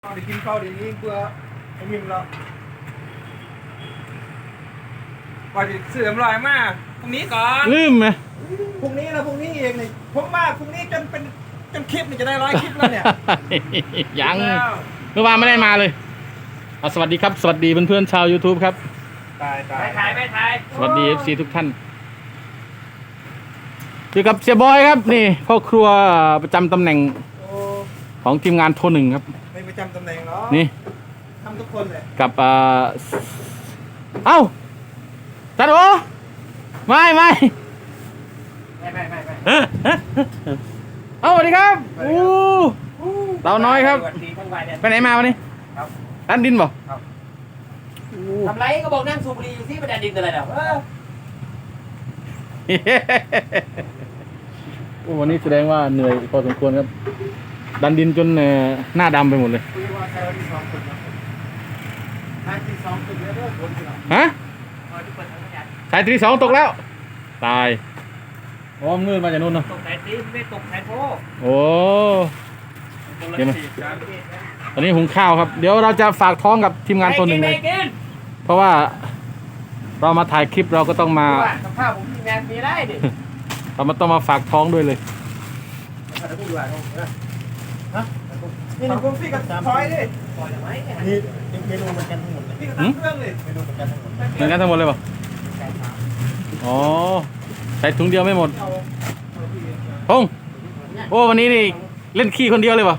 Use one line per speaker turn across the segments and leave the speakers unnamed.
ไปกินข้าวเดี๋ยวนี้เพื่อไอ้มิมเราไปเสื่อมลอยมากพรุ่งนี้ก่อน
ลืมไหม
พรุ่งนี้แล้วพรุ่งนี้เองนี่ผมว่าพรุ่งนี้จนคลิปนี่จะได้100 คลิปแล้วเนี่ย
ยังเมื่อวานไม่ได้มาเลยสวัสดีครับสวัสดีเพื่อนๆชาว YouTube ครับ
ตาย
ไม่ถ่าย
สวัสดี FC ทุกท่านอยู่กับเสียบอยครับนี่พ่อครัวประจำตำแหน่งของทีมงานโทรหนึ่งครับ
ไม่ประจำตำแหน่งเนาะ
นี่
ทำทุกคนเลย
กับเอ้าจัดโอไม่เอ้าสวัสดีครับเต่าน้อยครับไปไหนมาวันนี้ร้านดินบ่
ทำไรก็บอกนั่งสูบบุหรี่อยู่ที่ประเด็นดินอะไรเนาะ
วันนี้แสดงว่าเหนื่อยพอสมควรครับดันดินจนหน้าดำไปหมดเลยฮะสายที่2ตกแล้วตายอ๋อมืดมาจากนู่นเนาะ
ตกสายตีไม่ตกสายโพ
โอ้เห็นไหมตอนนี้หุงข้าวครับเดี๋ยวเราจะฝากท้องกับทีมงานตัวหนึ่งเลยเพราะว่าเรามาถ่ายคลิปเราก็ต้องมา
กับข้าวผมทีมงานมีได้ดิ
เราต้องมาฝากท้องด้วยเลย
นี่หนูพี่กับพลอยดิ
นี่
เมนูเหมือนกันทั้งหมดเลยพี่กับเครื่องเลยเมนูเหมือนกันทั้งหมด
เหมือนกันทั้งหมดเลยป่ะอ๋อใส่ถุงเดียวไม่หมดพงโอ้วันนี้นี่เล่นขี้คนเดียวเลยป่ะ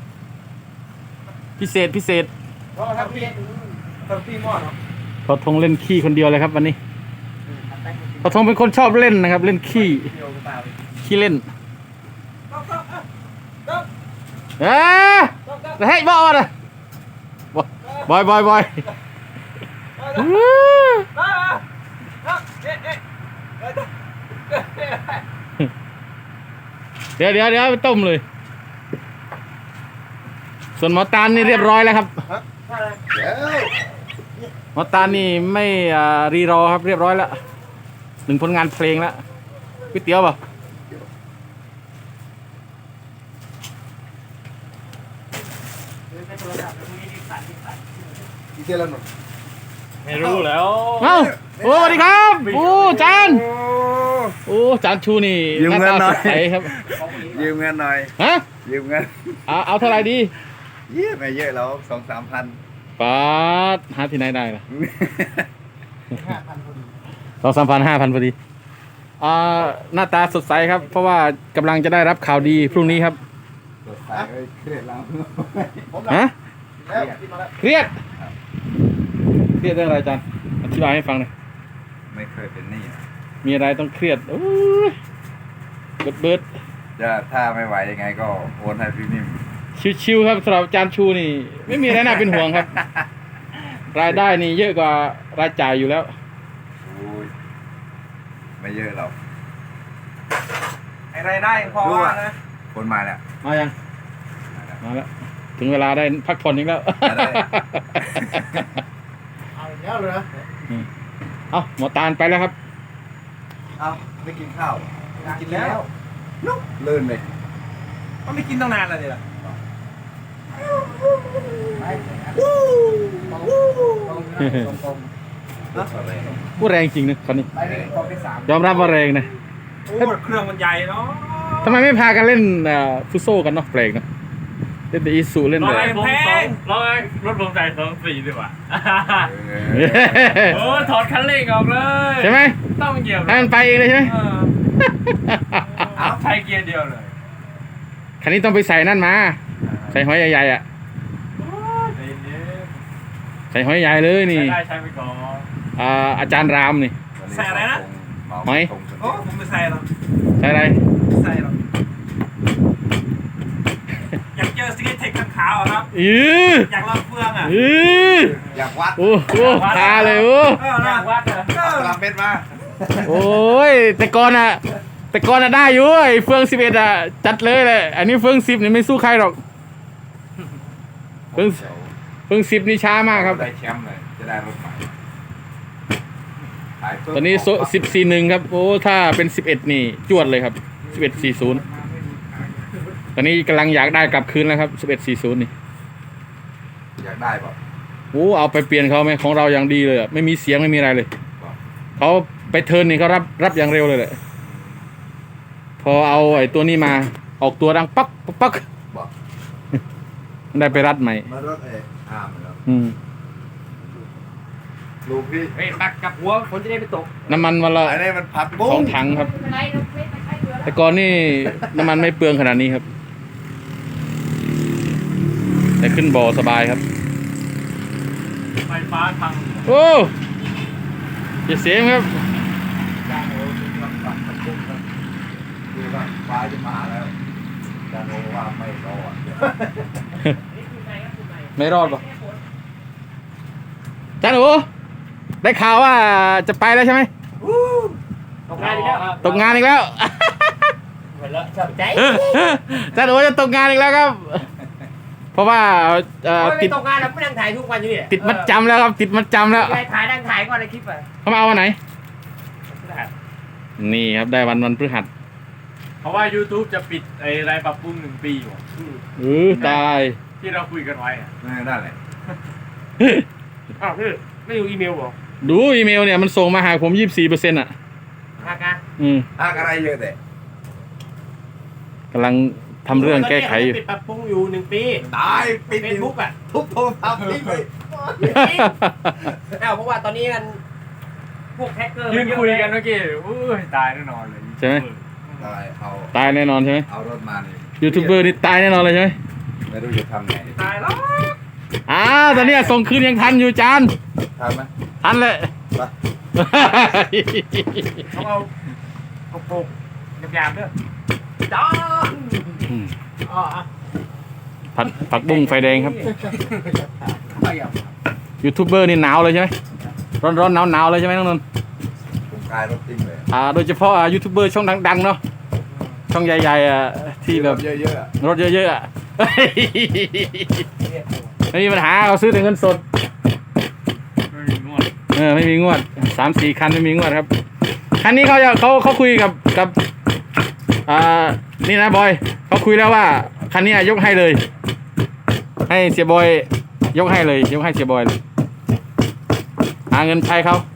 พิเศษ
เพราะครับพี่หม้อเนาะ
พอทงเล่นขี้คนเดียวเลยครับวันนี้พอทงเป็นคนชอบเล่นนะครับเล่นขี้เล่นเฮ้ยบอยนะบอยเดี๋ยวไปต้มเลยส่วนหมอตาลนี่เรียบร้อยแล้วครับหมอตาลนี่ไม่รีรอครับเรียบร้อยแล้ว1 ผลงานเพลงแล้วก๋วยเตี๋ยวป่ะ
ไม่รู้แล้ว
เอ้าโอ้สวัสดีครับโอ้จานโอ้จานชูนี่
ยืมเงินหน่อย
ครับ
ยืมเงินหน่อย
ฮะ
ยืมเงิน
เอาเท่าไหร่ดี
ไม่เยอะแล้ว2-3 พัน
ป้าดหาที่ไหนได้ล่ะ2-3 พัน 5,000พอดีหน้าตาสดใสครับเพราะว่ากำลังจะได้รับข่าวดีพรุ่งนี้ครับ
สดใสเครียดแล้ว
ฮะเครียดเรื่องอะไรอาจารย์อธิบายให้ฟังหน่อย
ไม่เคยเป็นหนี้
มีอะไรต้องเครียดโอ้ยเบิด
จะถ้าไม่ไหวยังไงก็โอนให้พี่นิ่ม
ชิวๆครับสำหรับอาจารย์ชูนี่ไม่มีอะไรน่าเป็นห่วงครับรายได้นี่เยอะกว่ารายจ่ายอยู่แล้ว
ไม่เยอะหรอก
ไอ้รายได้พอว่านะ
คนมาแล้ว
มายังมาแล้วถึงเวลาได้พักผ่อนอีกแล้ว
เอาอีกแล้วเลยนะ
เอาหมอตาลไปแล้วครับ
เอาไม่กินข้าว
กินแล้ว
นุ๊กเลื่อนเลย
ก็ไม่กินตั้งนานแล้วนี่แหละ
พูดแรงจริงนะคนนี้ยอมรับว่าแรงนะ
โอ้เครื่องมันใหญ่เนาะ
ทำไมไม่พากันเล่นฟุตโซ่กันเนาะแปลกนะเล่นแต่อีซูเล่นแต่
รถผมใส่2.4ดีกว่าโอ้ถอดคันเร่งออกเลย
ใช่ไหม
ต้องเหยียบ
ให้มันไปเองเลยใช่ไหม
ใช้เกียร์เดียวเลย
คันนี้ต้องไปใส่นั่นมาใส่หอยใหญ่ๆอ่ะใส่หอยใหญ่เลยนี่
ใช้ไปก่อน
อาจารย์รามนี่
ใส่อะไรนะ
หอย
โอ้ผมไม่ใส่หรอก
ใส่อะไร
ใส่หรอกอยากเจอสกีเทคขาวครับอยากลองเฟืองอ่ะ
อยากวัด
โอ้โหตาเลย
อยากวัด
ตามเม็ดมา
โอ้ยแต่ก่อนอ่ะได้อยู่ไอ้เฟือง11อ่ะจัดเลยแหละอันนี้เฟือง10นี่ไม่สู้ใครหรอกเฟือง10นี่ช้ามากครับ
ได้แชมป์เลยจะได้รถใหม่
ตอนนี้14-1ครับโอ้ถ้าเป็น11นี่จวดเลยครับ11-40ตอนนี้กำลังอยากได้กลับคืนแล้วครับ11-40นี่
อยากได้ป่ะ
โอ้เอาไปเปลี่ยนเขาไหมของเราอย่างดีเลยอะไม่มีเสียงไม่มีอะไรเลยเขาไปเทิร์นนี่เขารับอย่างเร็วเลยแหละพอเอาไอ้ตัวนี้มาออกตัวดังปักปักปัก
บอก
ได้ไปรัดใหม่
มารถอาร์มแล้ว ลูกพี่
เฮ้ยปักกับหัวคนจะได้ไปตก
น้ำมันวันละ
อันนี้มันพับบุ้
2 ถังครับ
ไม่เป็นไรเราไม่ใช้เรือแล้ว
แต่ก่อนนี่น้ำมันไม่เปลืองขนาดนี้ครับ แต่ขึ้นบ่อสบายครับ
ไฟฟ้าทาง
โอ้อย่าเสียงครับ
จานโอ้ยมันปักมันบุ้งนะดูว่าฟ้าจะมาแล้วจานโอ้ว่าไม่รอด
ไม่รอดปะจ้าหนูได้ข่าวว่าจะไปแล้วใช่ไหม
ตกงานอีกแล้ว
ตกงานอีกแล้ว
เหมือนแล้วชอบใจ
จ้าหนูจะตกงานอีกแล้วครับ เพราะว่า
ไม่
ติด
ตกงานแล้วไม่นั่งถ่ายทุกวันอยู่นี่
ติดมัดจำแล้วครับ ติดมัดจำแล้ว
ไปถ่ายนั่งถ่ายก่อนในคลิปอ่ะ
เขามาเอาวันไหน นี่ครับได้วันพฤหัส
เพราะว่า YouTube จะปิดไอ้รายปรับปรุง1 ปีอยู่
ตาย
ที่เราคุยกันไว้อะ
นั่นแหละ
อ้าวพี่ไม่ดูอีเมลเหรอ
ดูอีเมลเนี่ยมันส่งมาหาผม 24%อ่ะ
ฮากา
อะไรเยอะแต่
กำลังทำเรื่องแก้ไขอยู่
ปิดปรับปรุงอยู่1 ปี
ตายปิด
เฟซบุ๊กอ่ะ
ทุบโทรศัพท์ทิ้งเลย
อ้าวเพราะว่าตอนนี้มันพวกแฮกเกอร์
ยืนคุยกันเมื่อกี้อุ้ยตายแน่นอนเลย
ใช่ไหม
ตายเอา
ตายแน่นอนใช่ไหม
เอารถมานี่
ยูทูบเบอร์นี่ตายแน่นอนเลยใช่ไหม
ไม่รู้จะทำไง
ตายแล้ว
ตอนนี้ส่งคืนยังทันอยู่จาน
ทำไหม
ทันเลย
ไป
เขาเอาโปกหยาบๆด้วยจ้าอ๋อ
ผักบุ้งไฟแดงครับ ยูทูบเบอร์นี่หนาวเลยใช่ไหมร้อนหนาวเลยใช่ไหมน้องนนท์
ผมกลายรถทิ้งเลย
โดยเฉพาะยูทูบเบอร์ช่องดังๆเนาะช่องใหญ่ๆที่แบบ
เยอะๆอะ
รถเยอะๆไม่มีปัญหาเขาซื้อแต่เงินสด
ไม่มีงวด
ไม่มีงวด 3-4 คันไม่มีงวดครับคันนี้เขาคุยกับนี่นะบอยเขาคุยแล้วว่าคันนี้ยกให้เลย ให้เสียบอยยกให้เลยยกให้เสียบอยเลยหาเงินใช้เขา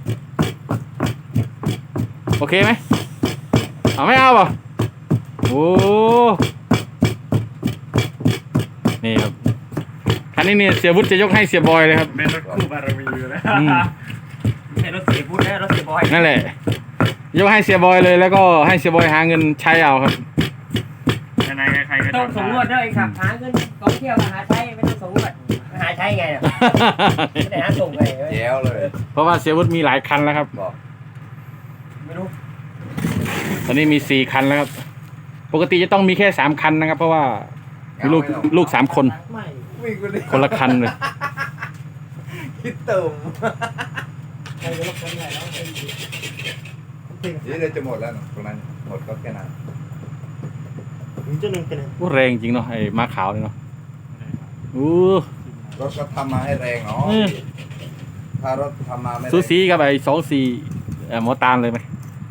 โอเคไหมเอาไม่เอาป่ะโอ้นี่ครับคันนี้เนี่ยเสียวุฒิจะยกให้เสียบอยเลยครับ
เป็นรถคู่บารมีอยู่แล้ว
เป็นรถเสียพูดนะรถเสียบอย
นั่นแหละยกให้เสียบอยเลยแล้วก็ให้เสียบอยหาเงินใช้เอาครับ
ยังไงใครก็
ต้อง
ทำ
ส่งงวดด้วยครับหาเงินกองเที่ยวมาหาใช้ไม่ต้องส่งงวดมาหาใช้ไงเนี่ยไม่ได้หาส่งไง
แย้วเลย
เพราะว่าเสียวุฒิมีหลายคันแล้วครับ
บอก
ไม่รู้
ตอนนี้มี4 คันแล้วครับปกติจะต้องมีแค่3 คันนะครับ เพราะว่ามีลูก3 คน
ไม่
วิ่งไปเลย
คนละคันเลย
คิดตุ่ม
ใครจะลบคนไหนแล้ว
เดี๋ยวจะหมดแล้วตรงนั้นหมดก็แค่นั้น
จะหนึ่งเป็น
โอ้แรงจริงเนาะไอ้ม้าขาวเนี่ยเนาะอู้
รถก็ทำมาให้แรงเนาะถ้ารถทำมาไม่แรง
สูสีกับไอ้24หมอตาลเลยไหม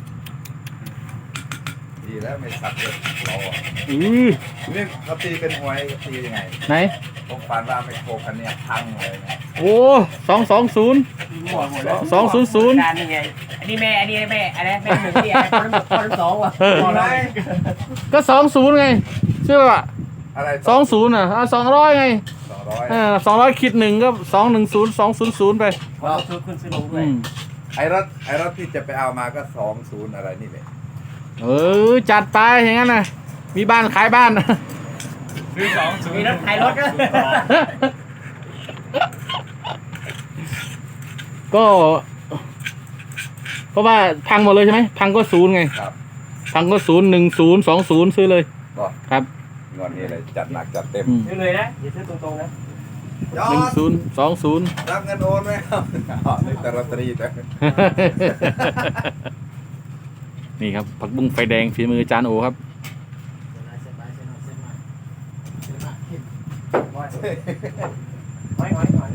ดีแล้วไม่สับเลยเราอ่ะ นี่เขาตีเป็นหวยตียังไง
ไหน
ผมฝันว่าไม่โคคันเนี้ยพังเลยนะ
โอ้220
มั่วหมดแล้ว
200
การนี่ไงอันนี้แม่อันนี้แม่อะไรแม่หนึ่งที่อะไรคนละคนละสองว่ะ
อะไร
ก็20ไงใช่ป่ะ
อะไร
20อ่ะ200ไง
200
200 1ก็210 200ไป
เราซื้อขึ้นซื้อลงด้วย
ไอ้รถที่จะไปเอามาก็20อะไรนี่แหละ
จัดไปอย่างนั้นนะมีบ้านขายบ้าน
ซื้อ2
มีรถขายรถด้วย
ก็เพราะว่าพังหมดเลยใช่ไหมพังก็0ไง
ครับ
พังก็0 10 20ซื้อเลย
ก็
ครับ
งอนนี้เลยจัดหนักจัดเต็ม
ซื้อเลยนะอย่าซื้อตรงๆนะ
ยอด
10 20
รับเงินโอนไหมครับอ๋อนี่แต่ลอตเตอรี่แต่
นี่ครับผักบุ้งไฟแดงฝีมืออาจารย์โอครับ
หอย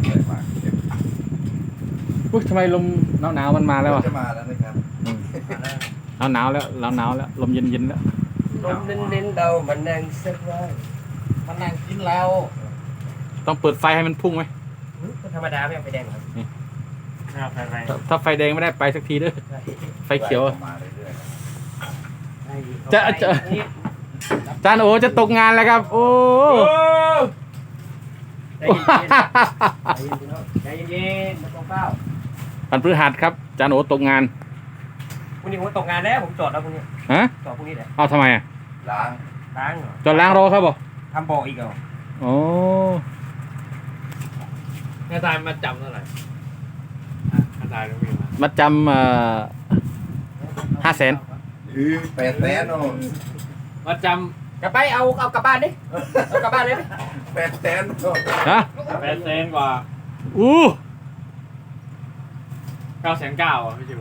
อุ๊ยทำไมลมหนาวๆมันมาแล้วอ่ะ
จะมาแล้วนะครับ
หนาวแล้วลมเย็นๆแล้ว
ลมเน้นๆเรามันนั่งสักวันมันนั่งกินเรา
ต้องเปิดไฟให้มันพุ่งไหม
เธรรมดาไม่เอาไฟแดงครับ
ถ้าไฟแดงไม่ได้ไปสักทีเด้อไฟเขียว
มาเรื่อย
จะจานโอจะตกงานแล้วครับ โอ้
ใจเย็นๆไม่ต้องเฝ้า
วันพฤหัสครับจานโอตกงาน
พรุ่งนี้ผมตกงานแล้วผมจอดแล้วพรุ่งนี้
ฮะ
จอดพรุ่งนี้แหละ
เอาทำไมอ่ะ
ๆล้าง
ล้างเหรอ
จอดล้างรอครับบ่
ทำบ่ออีกเหรอ
โอ้
แม่ตายมาจำเท่าไหร่แม่ตายต้องมีมา
มาจำ500,000
800,000โน่
มาจ
กลับไปเอากลับบ้านดิเอากลับบ้านเลยไหม
800,000โน่
ฮะ
ำ800,000กว่า
อู้
909,000อ่ะพี่จิว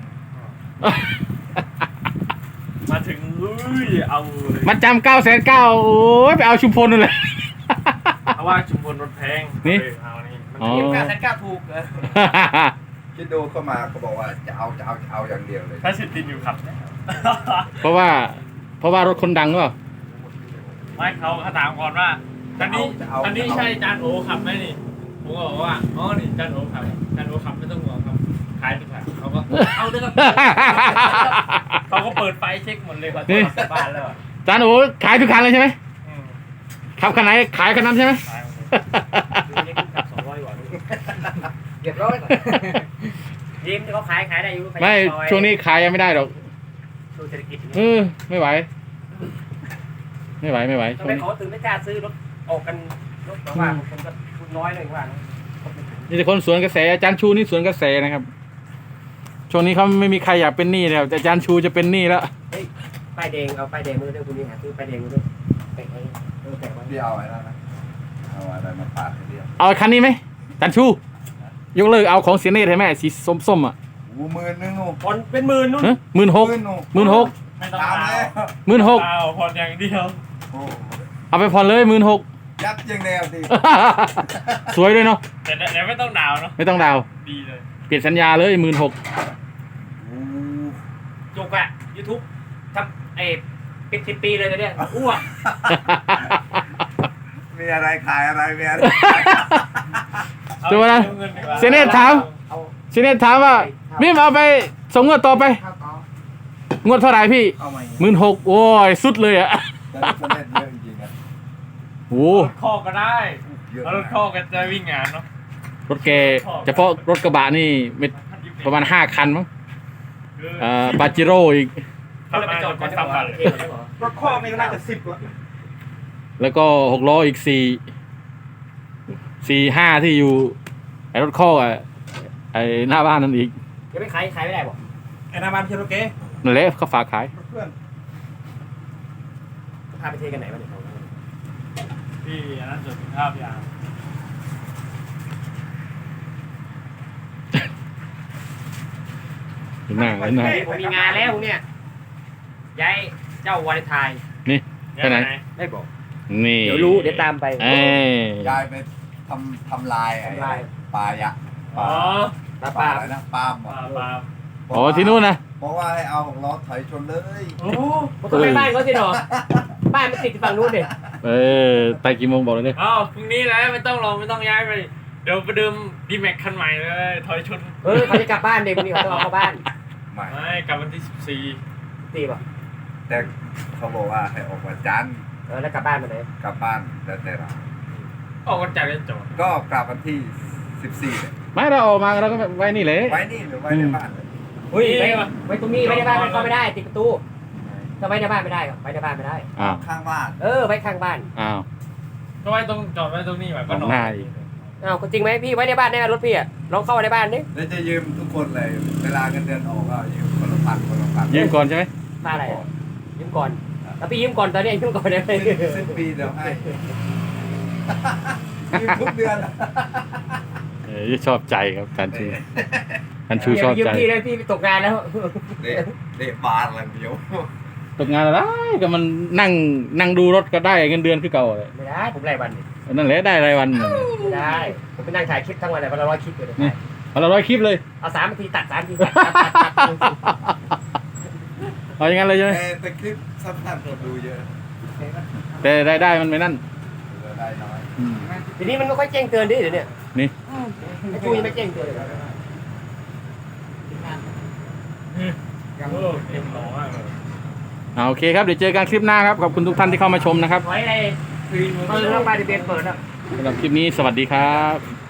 มาถึงเอาเลย
มาจำ9,900,000โอ้ยไปเอาชุมพลนั่นแหละ
เพราะว่าชุมพลรถแพง
นี่
เอานี่
อ๋อ
เก็บ9,900,000ถูกเออ
คิดดูเข้ามาเขาบอกว่าจะเอาอย่างเดียวเลย
ถ้าสิตินอยู่ขับ
เพราะว่ารถคนดังหรือเปล่า
ไม่เขาถามก่อนว่าคันนี้ใช่จานโอขับไหมนี่ผมก็บอกว่าอ๋อนี่จานโอขับจานโอขับไม่ต้องห่วงครับขายดีกว่าเขาก็เอาด้วยครับเขาก็เปิดไฟเช็คหมดเลยเขาจะกลับบ้านแล้ว
จานโอขายทุกคันเลยใช่ไหม
อืม
ขับคันไหนขายคันนั้นใช่ไหม
ขายหมดเลยนี่ขับ200กว่า
เรียบร้อยยิ้มที่เขาขายได้อยู่
ไม่ช่วงนี้ขายยังไม่ได้หรอก
ช่วงเศรษฐกิจ
ไม่ไหว ไม่ไหว
ทำ
ช่ว
ไม
งนี้
เขาถึงไม่กล้าซื้อรถออกกันรถแต่ว่าคนก็ทุนน้อยเลยว่า
นี่แต่คนสวนกระแสอาจารย์ชูนี่สวนกระแสนะครับ ช่วงนี้เขาไม่มีใครอยากเป็นหนี้แล้วแต่อาจารย์ชูจะเป็นหนี้แล้ว
ป้ายแดงเอาป้ายแดงมือด้วยคุณนี่หาซื้อป้ายแดงมือด้วยแปะไว้แปะไว้
เดียวไอ้นั่นนะเอาอะไรมาปาดให้เดียว
เอาคันนี้ไหมอาจารย์ชู ยกเลิกเอาของเสียเนตให้แม่สีส้มๆอ่ะ
10,000โน่
คนเป็นหมื่นนู่น
16,000
โน่
16,000
ไม่ต้อง
ตาม
เอา
แล้ว
16,000
เอาผ่อนอย่างเดียว
โอ้
เอาไปผ่อนเลย16,000
ยัดอย่างแนวสิ
สวยด้วยเนาะ
แต่ไม่ต้องดาวเนาะ
ไม่ต้องดาว
ดีเลย
เปลี่ยนสัญญาเลย16,000
จุกอะยูทูบทำปิด10 ปีเลยเนี่ยอ้วก
มีอะไรขายอะไรมีอะไร
ดูนะ
อาเงินดีกว่า
เสียเนตถาม
เอา
เสียเนตถามว่ามิมเอาไปส่งงวดต่อไป
ข้าวเปล่าง
วดเท่าไหร่พี่
เอามา
16,000โอ้ยสุดเลยอ่ะ
แต่ละคนเล่นเยอะจริงๆอะ
โอ้
รถข้อก็ได้
เยอะ
แล้วรถข้อก็จะวิ่งงานเนาะ
รถแกเฉพาะรถกระบะนี่ประมาณ5 คันมั้งปาจิโร่อีก
เขาเลยไปจอดก่อนซ้ำกันเลย
รถข้อไม่น่าจะ10แล้ว
แล้วก็6 ล้ออีก4 5ที่อยู่ไอ้รถข้อไอ้หน้าบ้านนั่นอีก
ยังไม่ขายไม่ได้บอก
ไอ้นามันเชโรเก้
นั่นแหละเขาฝากขาย
เพื่อน
พาไปเทกันไหนวะเนี่ย
พี่อันนั้นจุดภาพยาง
เห็นหน้าเห็นหน้า
ผมมีงานแล้วเนี่ยย้ายเจ้าวาเลนไทน์
นี่ไปไหน
ได้บอก
นี่
เดี๋ยวรู้เดี๋ยวตามไป
เอ้ย
ยายไปทำลายไอ้
ทำลาย
ปลายะ
อ๋อ
ตา
ปลา
ปา
อะไรนะปลาหม
ป
ด
ลา
อ๋อที่นู่นนะ
บอกว่าให้เอาล้อถอยชนเลย
โอ้
ผมต้องไปบ้านเขาสิหนอบ้านมันติดฝั่งนู้นเด็
ไปกี่โมงบอกเลยเนี่ย
อ้าวพรุ่งนี้แล้วไม่ต้องลงไม่ต้องย้ายไป เดี๋ยวไปดื่มดีแม็กคันใหม่เลยถอยชน
เขาจะกลับบ้านเด็กคนนี้เขาต้องเอาเข้าบ้าน
ไม่
ไม่กลับวันที่
ตีป่ะ
แต่เขาบอกว่าให้ออกวันจันทร์
แล้วกลับบ้านมาไหน
กลับบ้านแต่เรา
14ออกวันจันทร์เลยจบ
ก็กลับวันที่14เนี่ย
ไม่เราออกมาเราก็ไว้นี่เลย
ไว้นี่หรือไว้ในบ้านเลย
อุ้ยไว้ตรงนี้ไว้ในบ้านมันเข้าไม่ได้ติดประตูถ้าไว้ในบ้านไม่ได้ไว้ในบ้านไม่ได้
อ้าว
ข้างบ้าน
ไว้ข้างบ้าน
อ้าว
ก็ไว้ตรงจอดไว้ตรงนี้แบบก็นอ
หน้าอีก
อ้าวจริงไหมพี่ไว้ในบ้านได้ไหมรถพี่อ่ะลองเข้าในบ้านดิ
แล้วจะยืมทุกคนเลย เวลาเงินเดือนออกก็ยืมคนละพันคนละพัน
ยืมก่อนใช่ไหม
บ้านอะไรยืมก่อนแล้วพี่ยืมก่อนตอนนี้ยืมก่อนได้ไหม
สิ้นปีเดี๋ยวให้ยืมทุกเดือน
ชอบใจครับจันชูจันชูชอบ
ยืม
ใจ
พี่เลยพี่ตกงานแล้ว
เดะบานอะไรเดียว
ตกงานอะไรก็มันนั่งดูรถก็ได้เงินเดือนคือเก่าเลย
ไม่ได้ผมรายวันนี่
นั่นแหละได้รายวัน
ไม่ได้ผมไปนั่งถ่ายคลิปทั้งวันเลยวันละ100 คลิปเลย
นี่วันละ100 คลิปเลย
เอา3 นาทีตัด3 นาทีตัด
เอาอย่างนั้นเลยใช่ไหม
แต่คลิปสั้นๆคนดูเยอะ
แต่รายได้มันไม่นั่น
ได้น้อย
ทีนี้มันไม่ค่อยแจ้งเตือนดิเดี๋ยวนี้
อนี่
ไอ้จูยังไม่เก่งตัวเลย
โอ้เต็มหล่อมากเลย
โอเคครับเดี๋ยวเจอกันคลิปหน้าครับขอบคุณทุกท่านที่เข้ามาชมนะครับ
ไว้อะไร
ครีม
เปิดเข้าไปที่เบนเปิดอ่ะ
สำหรับคลิปนี้สวัสดีครับ